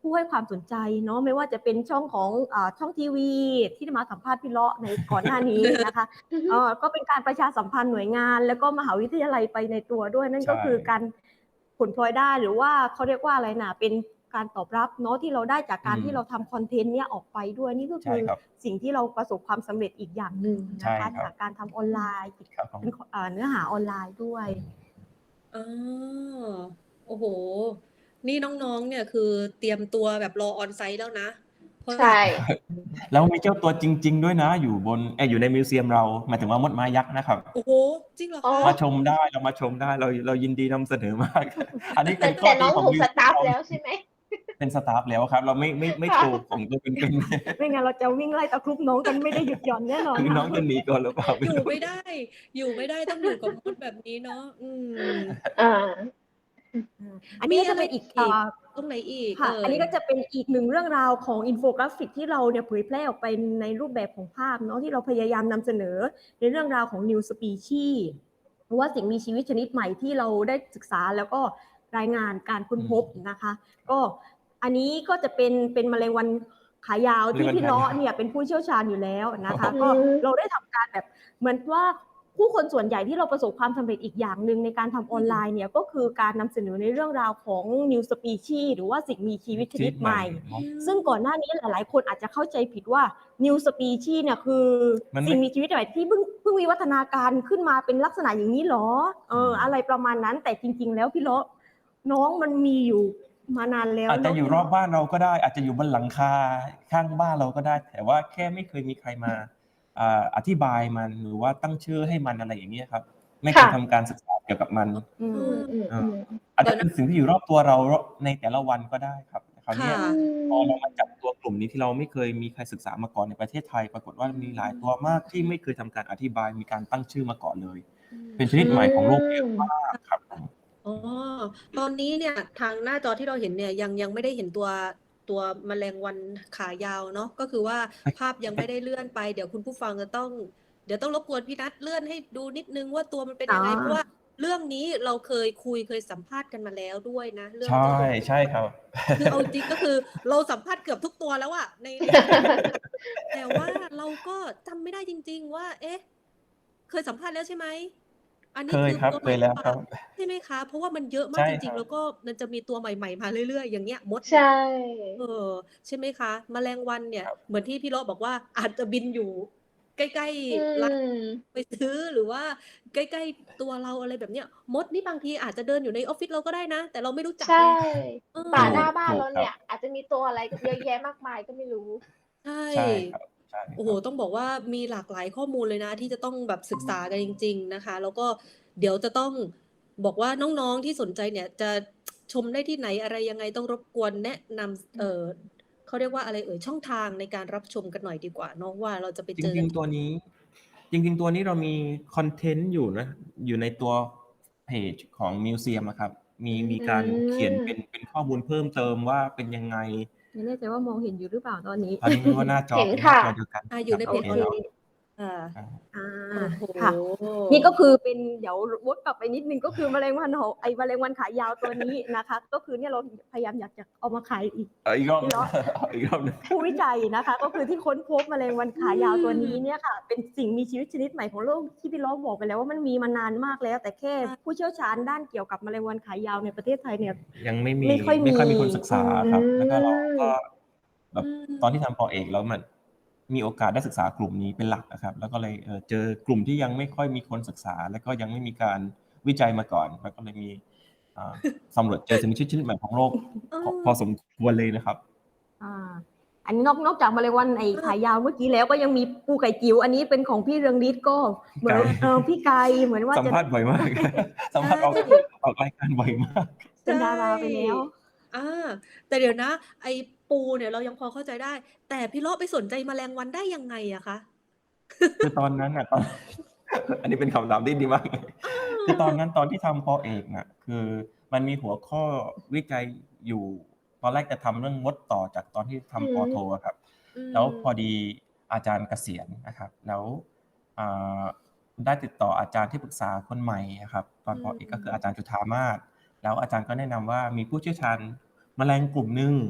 ผู้ให้ความสนใจเนาะไม่ว่าจะเป็นช่องของอ่าช่องทีวีที่มาสัมภาษณ์พี่เลาะในก่อนหน้านี้นะคะเอ่อก็เป็นการประชาสัมพันธ์หน่วยงานแล้วก็มหาวิทยาลัยไปในตัวด้วยนั่นก็
ใช่
คือการผลพลอยได้หรือว่าเขาเรียกว่าอะไรนะเป็นการตอบรับเนาะที่เราได้จากการ
อืม
ที่เราทำคอนเทนต์เนี้ยออกไปด้วยนี่ก็
ใช่
คือ
ครับ
สิ่งที่เราประสบความสำเร็จอีกอย่างหนึ่ง
ใช่
นะคะ
ครับ
จากการทำออนไลน์
ครับผม
เป็นเอ่อเนื้อหาออนไลน์ด้วย
อ๋อโอ้โห นี่น้องๆ เนี่ยคือเตรียมตัวแบบรอออนไซต์แล้วนะ เพราะ
ใช่
แล้วมีเจ้าตัวจริง ๆ ด้วยนะ อยู่บนเอยอยู่ในมิวเซียมเราหมายถึงว่ามดม้ายักษ์นะครับ
โอ้โห จริงเหรอ
อ๋อ
คะ
มาชมได้เรามาชมได้เราเรายินดีนำเสนอมาก อันนี้
แต่
เป็นข้อ
แต่น้
ดี
อง
ของ
ถูก
มิว
ส
เซียม
ตาฟ
เรา
แล้วใช่ไหม
เป็นสตาฟแล้วครับ เราไม่ไม่ไม่
ค่ะ
โชว์ของตัวเป็น
ไม่งั้นเราจะวิ่งไล่ตะครุบน้องกันไม่ได้หยุดหย่อนแน่นอน
ๆคือน้อง
ค่ะ
จะหนีก่อนหรือเปล่าไม่
อยู่
รู้
ไม่ได้ อยู่ไม่ได้ต้องอยู่กับมดแบบนี้เนาะ อืม
อ่า
อันนี้ก็จะเป็นอีก
มีอะไรอีก
อ่า
ตรงไหนอีก
ค่ะ
เอ่
อัน
ย
นี้ก็จะเป็นอีกหนึ่งเรื่องราวของอินโฟกราฟิกที่เราเนี่ยเผยแพร่ออกไปในรูปแบบของภาพเนาะที่เราพยายามนำเสนอในเรื่องราวของ New Species หรือว่าสิ่งมีชีวิตชนิดใหม่ที่เราได้ศึกษาแล้วก็รายงานการค้นพบนะคะ ก็อันนี้ก็จะเป็นเป็นแมลงวันขายาวที่พี่เลาะเนี่ยเป็นผู้เชี่ยวชาญอยู่แล้วนะคะ
อืม
ก็เราได้ทำการแบบเหมือนว่าผู้คนส่วนใหญ่ที่เราประสบความสำเร็จอีกอย่างหนึ่งในการทำออนไลน์เนี่ยก็คือการนำเสนอในเรื่องราวของ New Species หรือว่าสิ่งมีชีวิตชนิดใหม่
เนาะ
ซึ่งก่อนหน้านี้หลายๆ คนอาจจะเข้าใจผิดว่า New Species เนี่ยคือ
มันไม่
สิ่งมีชีวิตใหม่ที่เพิ่งเพิ่งวิวัฒนาการขึ้นมาเป็นลักษณะอย่างนี้หรอเอออะไรประมาณนั้นแต่จริง ๆ แล้วพี่เลาะน้องมันมีอยู่มานานแล้ว
อาจจะ
เนะ
อยู่รอบบ้านเราก็ได้ อาจจะอยู่บนหลังคาข้างบ้านเราก็ได้ แต่ว่าแค่ไม่เคยมีใครมาอ่าอธิบายมันหรือว่าตั้งชื่อให้มันอะไรอย่างเงี้ยครับ ไม่เคย
ค่ะ
ทำการศึกษาเกี่ยวกับมัน
อื
อื
ม
มอืมอืม
อาจจะเป็นสิ่งที่อยู่รอบตัวเราในแต่ละวันก็ได้ครับคราวเนี้ย
ค่ะ
พอเรามาจับตัวกลุ่มนี้ที่เราไม่เคยมีใครศึกษามาก่อนในประเทศไทย ปรากฏว่ามีหลายตัวมากที่ไม่เคยทำการอธิบายมีการตั้งชื่อมาก่อนเลย เป็นชนิดใหม่ของโลกเยอะมากครับผม
อ๋อ ตอนนี้เนี่ยทางหน้าจอที่เราเห็นเนี่ยยังยังไม่ได้เห็นตัวตัวแมลงวันขายาวเนาะก็คือว่าภาพยังไม่ได้เลื่อนไป เดี๋ยวคุณผู้ฟังจะต้อง เดี๋ยวต้องรบกวนพี่นัทเลื่อนให้ดูนิดนึงว่าตัวมันเป็นยังไง
อ๋อ
เพราะว่าเรื่องนี้เราเคยคุยเคยสัมภาษณ์กันมาแล้วด้วยนะ เรื่อง
ใช่
เจ้าตัว
ใช่ครับ
คือเอาจริงก็คือเราสัมภาษณ์เกือบทุกตัวแล้วอะใน ใน แต่ว่าเราก็จำไม่ได้จริง ๆ ว่า เอ๊ะ เคยสัมภาษณ์แล้วใช่ไหม อันนี้
เคย
คือ
ครับ
ตัว
เคยแล้วครับ
ใช่ไหมคะ เพราะว่ามันเยอะมา
ใช่
กจ
ค
ริ
รั
ง ๆ
บ
แล้วก็มันจะมีตัวใหม่ ๆ มาเรื่อย ๆ อย่างเงี้ยมด
ใช่
เออ ใช่ไหมคะ แมลงวันเนี่ย
ครับ
เหมือนที่พี่เลาะบอกว่าอาจจะบินอยู่ใกล้
อื
ๆ ร้าน
ม
ไปซื้อหรือว่าใกล้ ๆ ตัวเราอะไรแบบเนี้ย มดนี่บางทีอาจจะเดินอยู่ในออฟฟิศเราก็ได้นะ แต่เราไม่รู้จัก
ใช่
ไง เอ
ป่า
อ
หน้าบ้าน
ถูก
เรา
ครั
เนี่
บ
ย อาจจะมีตัวอะไรเยอะแยะมากมายก็ไม่รู้
ใช่
ใช่ครับ ใช่ค
โอ้
รั
โฮ
บ
ต้องบอกว่ามีหลากหลายข้อมูลเลยนะที่จะต้องแบบศึกษากันจริง ๆ นะคะ แล้วก็เดี๋ยวจะต้องบอกว่าน้อง ๆ ที่สนใจเนี่ยจะ ชมได้ที่ไหนอะไรยังไงต้องรบกวนแนะนำ เอ่อ เขาเรียกว่าอะไรเอ่ย ช่องทางในการรับชมกันหน่อยดีกว่าเนาะว่าเราจะไป
จ
เจอ
ริง ๆ ตัวนี้ จริง ๆ ตัวนี้เรามีคอนเทนต์อยู่นะ อยู่ในตัวเพจของมิวเซียมอะครับ มี มีการเขียน
อืม
เป็น เป็นข้อมูลเพิ่มเติมว่าเป็นยังไง
ไม่แน่ใจว่ามองเห็นอยู่หรือเปล่าตอนนี้
ตอนนี้ไม่รู้ว่าหน้าจอ
เห็น
เป็นหน้า
ค่ะ
จอเดียวกัน
อ่า อ
ค
ยู่
รับ
ใน
โอ
เพจ
เค
เดียว
เนาะ
ค่ะ
อา
อ่า
โอ้โฮ
ค่ะ นี่ก็คือเป็นเดี๋ยววกกลับไปนิดนึงก็คือแมลงวันหอไอ้แมลงวันขายาวตัวนี้นะคะ ก็คือเนี่ยเราพยายามอยากจะเอามาขายอีก
เอาอีกรอบ
พี่เลาะ
อีกรอบหนึ่ง
ผู้วิจัยนะคะ ก็คือที่ค้นพบแมลงวันขายาวตัวนี้เนี่ยค่ะ เป็นสิ่งมีชีวิตชนิดใหม่ของโลกที่พี่เลาะบอกไปแล้วว่ามันมีมานานมากแล้ว แต่แค่ผู้เชี่ยวชาญด้านเกี่ยวกับแมลงวันขายาวในประเทศไทยเนี่ย
ยังไม่มี
ไม่ค่อยมี
ไม่ค่อยมีคนศึกษาครับ
อืม
แล้วก็เราก็แบบ
อืม
ตอนที่ทำปอเอกแล้วมันมีโอกาสได้ศึกษากลุ่มนี้เป็นหลักอะครับ แล้วก็เลย เอ่อ เจอกลุ่มที่ยังไม่ค่อยมีคนศึกษา แล้วก็ยังไม่มีการวิจัยมาก่อน แล้วก็เลยมี อ่า สำรวจเจอสิ่งมีชีวิตชนิดใหม่ของโลก
เอ
พอ
อ
พอสมควรเลยนะครับ
อ่า อันนี้นอก นอกจากแมลงวันไอ้ขายาวเมื่อกี้แล้วก็ยังมีปูไก่จิ๋ว อันนี้เป็นของพี่เรืองฤทธิ์ก็เหมือน
ไก่
เออพี่ไก่เหมือนว่า
สัม
จะ
ภาษณ์บ่อยมาก สัมภาษณ์ออก
ใช่
ออกรายการบ่อยมาก
เป็นดาราไปแล้ว
อา แต่เดี๋ยวนะ ไอ้ปูเนี่ยเรายังพอเข้าใจได้ แต่พี่เลาะไปสนใจแมลงวันได้ยังไงอะคะ?
คือตอนนั้นน่ะ ตอน อันนี้เป็นคำถามที่ดีมากเลย คือตอนนั้นตอนที่ทำปอเอกน่ะ คือมันมีหัวข้อวิจัยอยู่ ตอนแรกจะทำเรื่องมดต่อจากตอนที่
อื
ทำปอโท
ม
อะครับ
อื
แล้วพอ
ม
ดีอาจารย์เกษียณนะครับ แล้ว อ่า ได้ติดต่ออาจารย์ที่ปรึกษาคนใหม่อะครับ ตอนปอเอกก็คืออาจารย์จุฑามาส แล้วอาจารย์ก็แนะนำว่ามีผู้เชี่ยวชาญแมลงกลุ่มหนึ่ง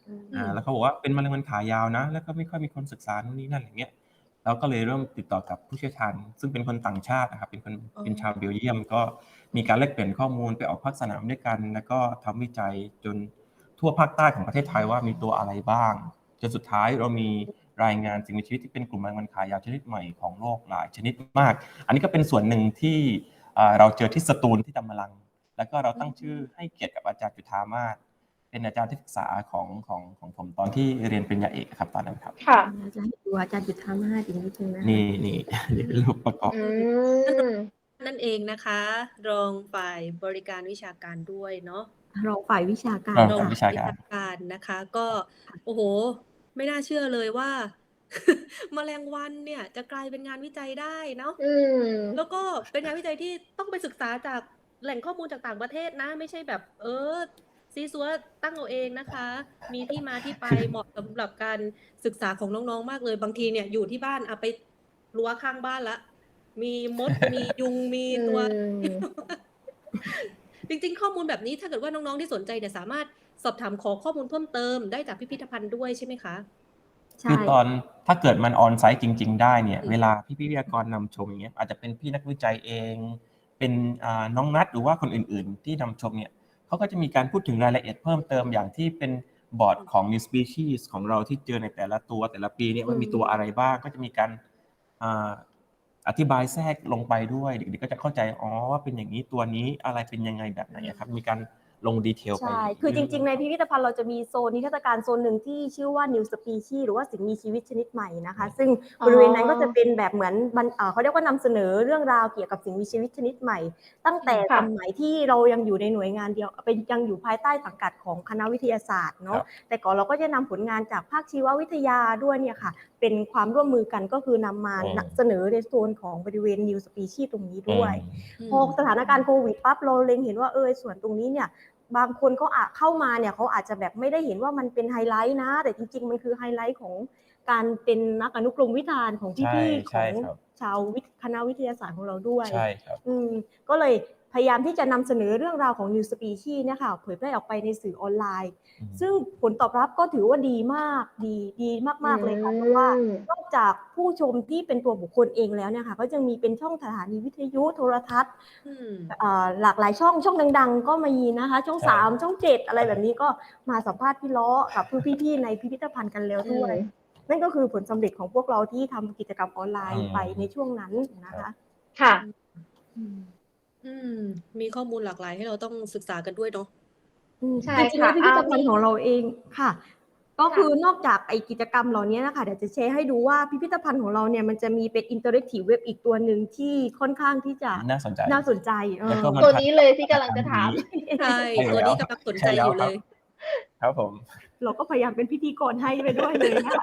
อืม
อ่าแล้วเขาบอกว่าเป็นมะเร็งมันขายาวนะ แล้วก็ไม่ค่อยมีคนศึกษานู่นนี่นั่นอย่างเงี้ยเราก็เลยเริ่มติดต่อกับผู้เชี่ยวชาญซึ่งเป็นคนต่างชาตินะครับเป็นคน
อ๋อ
เป็นชาวเบลเยียมก็มีการแลกเปลี่ยนข้อมูลไปออกภาคสนามด้วยกัน แล้วก็ทำวิจัยจนทั่วภาคใต้ของประเทศไทยว่ามีตัวอะไรบ้างจนสุดท้ายเรามีรายงานสิ่งมีชีวิตที่เป็นกลุ่มแมลงวันขายาวชนิดใหม่ของโลกหลายชนิดมาก อันนี้ก็เป็นส่วนหนึ่งที่อ่าเราเจอที่สตูลที่ตำมะลัง แล้วก็เราตั้งชื่อให้เกียรติกับอาจารย์จุฑามาศเป็นอาจารย์ที่ปรึกษาของของของผมตอนที่เรียนปริญญาเอกครับตอนนั้นครับ
ค่ะ
อาจารย์ให้ดูอาจารย์จุฑามาศอีกนิดนึงนะคะ
นี่นี่นี่เป็นรูปประกอบ
อืม
นั่นเองนะคะ รองฝ่ายบริการวิชาการด้วยเนาะ
รองฝ่ายวิชาการ
รอง
รอง
ฝ่าย
ค่ะ
วิชาการ
การนะคะ ก็โอ้โห ไม่น่าเชื่อเลยว่า แมลงวันเนี่ยจะกลายเป็นงานวิจัยได้เนาะ
อืม
แล้วก็เป็นงานวิจัยที่ต้องไปศึกษาจากแหล่งข้อมูลจากต่างประเทศนะ ไม่ใช่แบบ เออซีซัวตั้งเอาเองนะคะ มีที่มาที่ไปเหมาะสำหรับการศึกษาของน้องๆมากเลย บางทีเนี่ยอยู่ที่บ้านเอาไปรั้วข้างบ้านละมีมด มียุงมี
อื
ตัว
ม
จริงๆ ข้อมูลแบบนี้ถ้าเกิดว่าน้องๆที่สนใจเนี่ยสามารถสอบถามขอข้อมูลเพิ่มเติมได้จากพิพิธภัณฑ์ด้วยใช่ไหมคะ
ใช่
คือตอนถ้าเกิดมันออนไซต์จริง ๆ ได้เนี่ย
อืม
เวลาพี่วิทยากรนำชมอย่างเงี้ยอาจจะเป็นพี่นักวิจัยเอง เป็นอ่าน้องนัทหรือว่าคนอื่นๆ ที่นำชมเนี่ยเขาก็จะมีการพูดถึงรายละเอียดเพิ่มเติมอย่างที่เป็นบอร์ดของ New Species ของเราที่เจอในแต่ละตัวแต่ละปีเนี่ยว่ามีตัวอะไรบ้างก็จะมีการอ่าอธิบายแทรกลงไปด้วยเด็กๆก็จะเข้าใจอ๋อว่าเป็นอย่างนี้ตัวนี้อะไรเป็นยังไงแบบไหนอะครับมีการลงดีเทลไป
ใช่ คือจริงๆ ในพิพิธภัณฑ์เราจะมีโซนนิทรรศการโซนหนึ่งที่ชื่อว่า New Species หรือว่าสิ่งมีชีวิตชนิดใหม่นะคะ ซึ่งบริเวณนั้นก็จะเป็นแบบเหมือนบรรเอ่อเขาเรียกว่านำเสนอเรื่องราวเกี่ยวกับสิ่งมีชีวิตชนิดใหม่ ตั้งแต่
ค่ะ
สมัยที่เรายังอยู่ในหน่วยงานเดียวเป็นยังอยู่ภายใต้สังกัดของคณะวิทยาศาสตร์เนาะ แต่ก่อนเราก็จะนำผลงานจากภาคชีววิทยาด้วยเนี่ยค่ะ เป็นความร่วมมือกันก็คือนำมา
อืม
นำเสนอในโซนของบริเวณ New Species ตรงนี้ด้วย
อืม
พอสถานการณ์โควิดปั๊บเราเล็งเห็นว่าเออส่วนตรงนี้เนี่ยบางคนก็อาจเข้ามาเนี่ยเขาอาจจะแบบไม่ได้เห็นว่ามันเป็นไฮไลท์นะ แต่จริงๆมันคือไฮไลท์ของการเป็นนักอนุกรมวิธานของ
ใช่
พี่ๆข
ใช่
อง
ครับ
ชาววิทย์คณะวิทยาศาสตร์ของเราด้วย
ใช่ครับ
อืมก็เลยพยายามที่จะนำเสนอเรื่องราวของ New Species เนี่ยค่ะเผยแพร่ออกไปในสื่อออนไลน์
อืม
ซึ่งผลตอบรับก็ถือว่าดีมากดีดีมากๆเลยค่ะเพราะว่า
อืม
นอกจากผู้ชมที่เป็นตัวบุคคลเองแล้วเนี่ยค่ะก็ยังมีเป็นช่องสถานีวิทยุโทรทัศน์
อืม
เอ่อหลากหลายช่องช่องดังๆ ก็มีนะคะช่อง
ใช่
สามช่องเจ็ดอะไรแบบนี้ก็มาสัมภาษณ์พี่ล้อกับพี่ๆในพิพิธภัณฑ์กันแล้วด้วย
อืม
นั่นก็คือผลสำเร็จของพวกเราที่ทำกิจกรรมออนไล
อื
น์
ม
ไปในช่วงนั้นนะคะ
ค่ะ
อืม
อืม มีข้อมูลหลากหลายให้เราต้องศึกษากันด้วยเนาะ
อืม
ใช่
จริงๆแล้
ค่ะ
วพิพิธภัณฑ์
อ่ามี
ของเราเองค่ะ ก็
ค่ะ
คือนอกจากไอกิจกรรมเหล่านี้นะคะเดี๋ยวจะแชร์ให้ดูว่าพิพิธภัณฑ์ของเราเนี่ยมันจะมีเป็นอินเตอร์แอคทีฟเว็บอีกตัวหนึ่งที่ค่อนข้างที่จะ
น่าสนใจ
น่าสนใจเอ
แล้ว
อ
ก็มัน
ตัว
ทั
นี้เลยที่กำลังจะถาม
ใช่
ใช่
ตัว
แล้ว
นี้กำลังสนใจ
ใช่แล้
อ
ว
ยู่
ค
เล
รับ
ย
ครับผม
เราก็พยายามเป็นพิธีกรให้ไปด้วยเลยนะคะ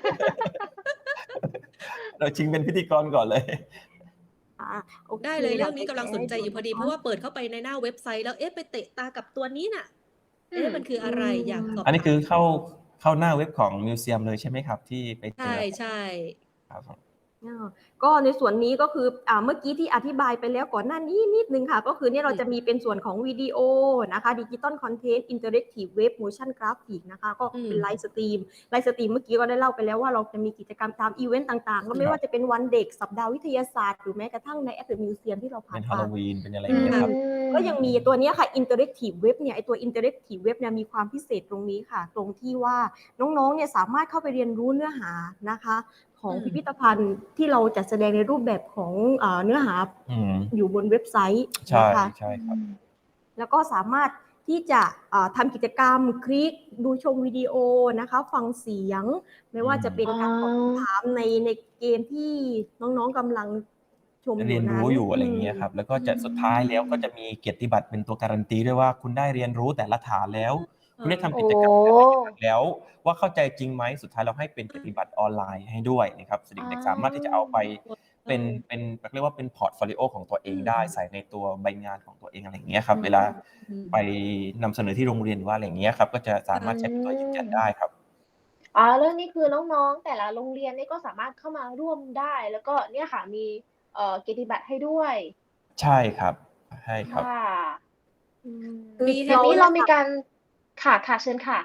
เราชิงเป็นพิธีกรก่อนเลย
อ่าโอค
ได้เลยเรื่องนี้
ดี๋
กำลังสนใจอยู่พอดี เพราะว่าเปิดเข้าไปในหน้าเว็บไซต์แล้วเอ๊ะไปเตะตากับตัวนี้น่ะ เอ๊ะมันคืออะไรอยากสอบ
อันนี้
ถาม
คือเข้าเข้าหน้าเว็บของมิวเซียมเลยใช่ไหมครับ ที่ไปเจ
ใช่
อ
ใช่
ครับผม
อ่าก็ในส่วนนี้ก็คืออ่าเมื่อกี้ที่อธิบายไปแล้วก่อนหน้านี้นิดนึงค่ะ ก็คือเนี่ยเราจะมีเป็นส่วนของวิดีโอนะคะดิจิตอลคอนเทนต์อินเตอร์แอคทีฟเว็บโมชั่นกราฟิกนะคะก็เป็นไลฟ์สตรีมไลฟ์สตรีมเมื่อกี้ก็ได้เล่าไปแล้วว่าเราจะมีกิจกรรมตามอีเวนต์ต่างๆ ก็ไม่ว่าจะเป็นวันเด็กสัปดาห์วิทยาศาสตร์หรือแม้กระทั่งในแอปเปิลมิวเซียมที่เราผ่า
เป็น น
ไป
ฮาโลวีนเป็นอะไรอย่างเงี้ยครับ
ก็ยังมีตัวเนี้ยค่ะ Interactive Web เนี่ยไอตัว Interactive Web เนี่ยมีความพิเศษตรงนี้ค่ะ ตรงที่ว่าน้องๆเนี่ยสามารถเข้าไปเรียนรู้เนื้อหานะคะ ของ
อืม
พิพิธภัณฑ์ที่เราจัดแสดงในรูปแบบของเอ่อเนื้อหา
อืม
อยู่บนเว็บไซต์
ใช่
นะคะ
ใช่ครับ
แล้วก็สามารถที่จะเอ่อทำกิจกรรมคลิกดูชมวิดีโอนะคะฟังเสียง ไม่ว่าจะเป็นการตอบคำถามในในเกมที่น้องๆกำลังชมอ
เรีย
ยู่
น
นั้น
รู้อยู่อะไรอย่างเงี้ยครับ แล้วก็จะสุดท้ายแล้วก็จะมีเกียรติบัตรเป็นตัวการันตีด้วยว่าคุณได้เรียนรู้แต่ละฐานแล้ว คุณได้ทำกิจกรรมแต่ละอย่างแล้วว่าเข้าใจจริงไหมสุดท้ายเราให้เป็นเกียรติบัตรออนไลน์ให้ด้วยนะครับเด็กๆสามารถที่จะเอาไปเป็นเป็นเรียกว่าเป็นพอร์ตโฟลิโอของตัวเองได้ใส่ในตัวใบงานของตัวเองอะไรอย่างเงี้ยครับเวลา
อืม
ไปนำเสนอที่โรงเรียนว่าอะไรอย่างเงี้ยครับก็จะสามารถใช้เป็นตัวยืนยันได้ครับ
อ๋อเรื่องนี้คือน้องๆ แต่ละโรงเรียนนี่ก็สามารถเข้ามาร่วมได้ แล้วก็เนี่ยค่ะมีเอ่อเกียรติบัตรให้ด้วย
ใช่ครับใช่ครับ
ค่ะ
คือ
แบบนี้เรามีการค่ะค่ะเชิญค่ะ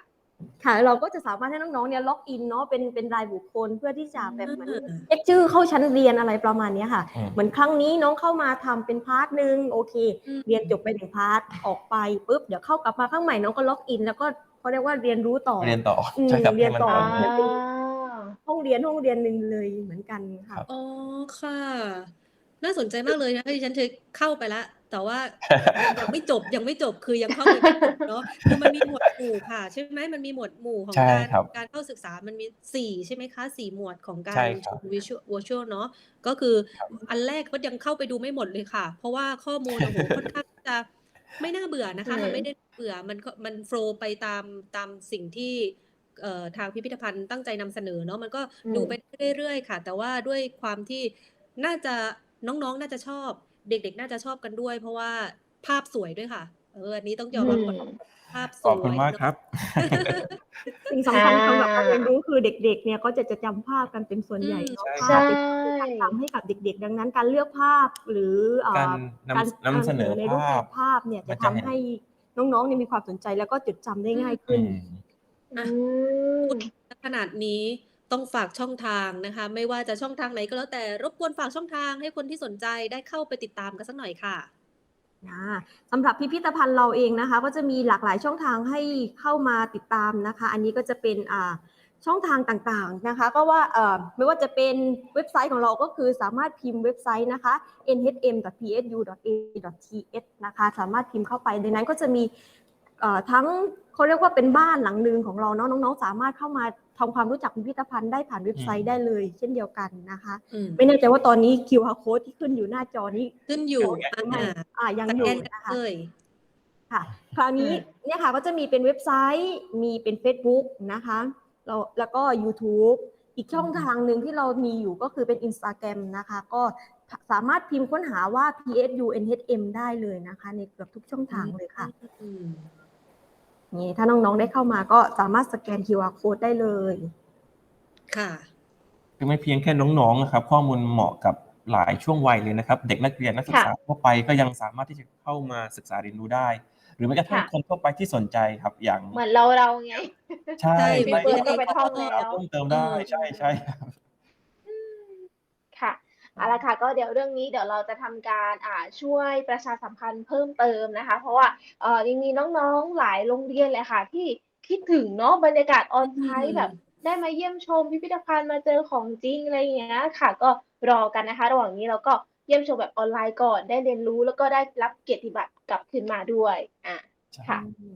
ค่ะเราก็จะสามารถให้น้องๆเนี่ยล็อกอินเนาะเป็นเป็นรายบุคคลเพื่อที่จะแบบเหมือน
อ่า
เช็คชื่อเข้าชั้นเรียนอะไรประมาณเนี้ยค่ะ
อืม
เหมือนครั้งนี้น้องเข้ามาทำเป็นพาร์ทหนึ่งโอเค
อืม
เรียนจบไปหนึ่งพาร์ทออกไปปุ๊บเดี๋ยวเข้ากลับมาข้างใหม่น้องก็ล็อกอิน แล้วก็เขาเรียกว่าเรียนรู้ต่อ
เรียนต่อ
อืม
ใช่ครับ
เรียน
ให้มัน
ต่อ
ต่อ
เหมื
เนื่
อ
อน ง
เป็นห้องเรียนห้องเรียนหนึ่งเลยเหมือนกันค่ะ
อ๋อค่ะ น่าสนใจมากเลยนะที่ฉันเคยเข้าไปแล้ว แต่ว่า ยังไม่จบยังไม่จบคือยังเข้าไปไม่จบเนาะคือมันมีหมวดหมู่ค่ะ ใช่ไหมมันมีหมวดหมู่ของ
ใช่
การ
ครับ
การเข้าศึกษามันมีสี่ใช่ไหมคะสี่หมวดของกา
ใช่
ร
ครั
ช
บ
ม Visual Virtual เนาะก็คือ
ครับ
อันแรกก็ยังเข้าไปดูไม่หมดเลยค่ะ เพราะว่าข้อมูล โอ้โฮ ค่อนข้างจะไม่น่าเบื่อนะ
อื
คะ มัน
ม
ไม่ได้เบื่อมันก็มันโฟลว์ไปตามตามสิ่งที่เอ่อทางพิพิธภัณฑ์ตั้งใจนำเสนอเนาะมันก็
อื
ดู
ม
ไปเรื่อยๆค่ะ แต่ว่าด้วยความที่น่าจะน้องๆน่าจะชอบ เด็กๆน่าจะชอบกันด้วย เพราะว่าภาพสวยด้วยค่ะ เออ อันนี้ต้อง
อื
ยอมรับก่อน
ม
ภาพส
ขอบคุ
ว
ณ
ย
มาก
เนาะ
ครับ
สิ่งสำ
อา
คัญสำหรับการเรียนรู้คือเด็กๆเนี่ยก็จะจะจำภาพกันเป็นส่วน
อื
ใหญ่
ม
เนาะ
ใช่
ภา
ใช่
พเป็นสื่อการจำให้กับเด็กๆ ดังนั้นการเลือกภาพหรือเอ่
การ
อน การ
ำ นำเสนอ
ใน
ภ
รูปแบ
าพ
บภาพเนี่ย
มั
จะ
น
ทำ
จะเห็น
ให้น้องๆเนี่ยมีความสนใจแล้วก็จดจำได้
อื
ง่าย
ม
ขึ้
อื
น
ม
อื
อะ
ม
พูดขนาดนี้ต้องฝากช่องทางนะคะ ไม่ว่าจะช่องทางไหนก็แล้วแต่ รบกวนฝากช่องทางให้คนที่สนใจได้เข้าไปติดตามกันสักหน่อยค่ะ
อาสำหรับพิพิธภัณฑ์เราเองนะคะ ก็จะมีหลากหลายช่องทางให้เข้ามาติดตามนะคะ อันนี้ก็จะเป็นอ่าช่องทางต่างๆนะคะ ก็ว่าเอ่อไม่ว่าจะเป็นเว็บไซต์ของเราก็คือสามารถพิมพ์เว็บไซต์นะคะ เอ็น เอช เอ็ม ดอท พี เอส ยู ดอท เอ ดอท ที เอส นะคะ สามารถพิมพ์เข้าไปในนั้นก็จะมีเอ่อทั้งเขาเรียกว่าเป็นบ้านหลังหนึ่งของเราเนาะน้องๆสามารถเข้ามาทำความรู้จักพิพิธภัณฑ์ได้ผ่านเว็บไซต์ได้เลยเช่นเดียวกันนะคะ
อืม
ไม่แน่ใจว่าตอนนี้ คิว อาร์ code ที่ขึ้นอยู่หน้าจอนี้
ขึ้นอยู่
หรือไม่
อา
อ่ายัง
ส
อ
แก
ยู่
นกัน
นะคะ
เลย
ค่ะ คราวนี้
อืม
เนี่ยค่ะก็จะมีเป็นเว็บไซต์ มีเป็นเฟซบุ๊กนะคะแล้วแล้วก็ยูทูบอีกช่อง
อืม
ทางหนึ่งที่เรามีอยู่ก็คือเป็น Instagram นะคะ ก็สามารถพิมพ์ค้นหาว่า พี เอส ยู เอ็น เอช เอ็ม ได้เลยนะคะ ในเกือบทุกช่องทางเลยค่ะ
อืม
นี่ถ้าน้องๆได้เข้ามาก็สามารถสแกน คิว อาร์ code ได้เลย
ค่ะ
คือไม่เพียงแค่น้องๆนะครับ ข้อมูลเหมาะกับหลายช่วงวัยเลยนะครับ เด็กนักเรียนนักศึก
ค่ะ
ษาทั่วไปก็ยังสามารถที่จะเข้ามาศึกษาเรียนรู้ได้ หรือแม้กระทั่ง
ค่ะ
คนทั่วไปที่สนใจครับ อย่าง
เหมือนเรา เราไง
ใช่
ใช่
พี่
บาง
เฟิ
ที
ร์น
เด็
ก็
ก
ไป
ๆเขา
ท่อง
ก็
แล้ว
เพิ่มเติม
เอ
ได้
อ
ใช่ ๆ ครับ
อืม ค่ะ เอาละค่ะ ก็เดี๋ยวเรื่องนี้เดี๋ยวเราจะทำการ อ่า ช่วยประชาสัมพันธ์เพิ่มเติมนะคะ เพราะว่า เอ่อ ยังมีน้องๆ หลายโรงเรียนเลยค่ะ ที่คิดถึงเนาะบรรยากาศ
อื
on-site แบบ
ม
ได้มาเยี่ยมชมพิพิธภัณฑ์ มาเจอของจริง อะไรอย่างเงี้ยค่ะ ก็รอกันนะคะ ระหว่างนี้เราก็เยี่ยมชมแบบออนไลน์ก่อน ได้เรียนรู้ แล้วก็ได้รับเกียรติบัตรกลับคืนมาด้วย อา
ใช่
ค่ะ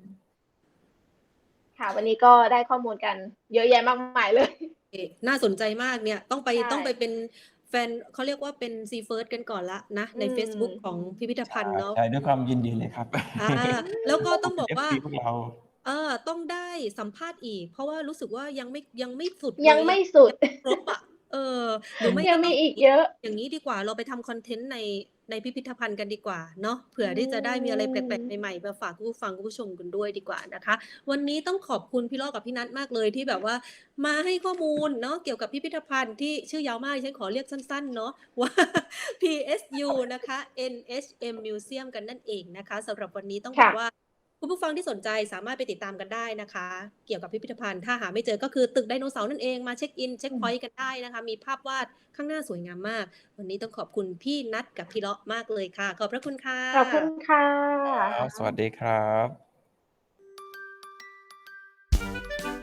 ค่ะ วันนี้ก็ได้ข้อมูลกันเยอะแยะมากมาย เลย
เอ๊ะ น่าสนใจมากเนี่ย ต้องไป
ใช่
ต้องไปเป็นแฟน เขาเรียกว่าเป็น See First กันก่อนแล้วนะ
อื
ในเฟซบุ๊ก
ม
ของพิพิธ
ใช
ภัณฑ์เนาะ
่ ๆ ด้วยความยินดีเลยครับ
อา แล้วก็ต้อง
อืม
บอก
เป็น
ว่า
เอฟ ซี พวกเรา
เออ ต้องได้สัมภาษณ์อีก เพราะว่ารู้สึกว่ายังไม่ ยังไม่สุดเล
ยัง
ย
ไม่
อะ
สุด
ยังไม่ครบอะ เออ หรือไม่
ยั
ก็
ง
ต้
มี
อง
อีกเยอะ
อย่างงี้ดีกว่า เราไปทำคอนเทนต์ใน ในพิพิธภัณฑ์กันดีกว่าเนาะ เผื่
อื
อที่จะได้มีอะไรแปลก
ม
ๆ ใหม่ ๆ มาฝากคุณผู้ฟัง คุณผู้ชมกันด้วยดีกว่านะคะ วันนี้ต้องขอบคุณพี่ล้อกับพี่นัทมากเลยที่แบบว่ามาให้ข้อมูลเนาะ เกี่ยวกับพิพิธภัณฑ์ที่ชื่อยาวมาก ดิฉันขอเรียกสั้น ๆ เนาะ ว่า พี เอส ยู นะคะ เอ็น เอช เอ็ม Museum กันนั่นเองนะคะ สำหรับวันนี้ต้อง
ค
บ่
ะ
อกว่า คุณผู้ฟังที่สนใจสามารถไปติดตามกันได้นะคะ เกี่ยวกับพิพิธภัณฑ์ ถ้าหาไม่เจอก็คือตึกไดโนเสาร์นั่นเอง มาเช็กอิน เช็กพอยต์กันได้นะคะ มีภาพวาดข้างหน้าสวยงามมาก วันนี้ต้องขอบคุณพี่นัทกับพี่ล้อมากเลยค่ะ ขอบพระคุณค่ะ
ขอบคุณค่ะ
ครับ สวัสดีครับ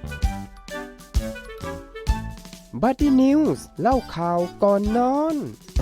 บัดดี้นิวส์เล่าข่าวก่อนนอน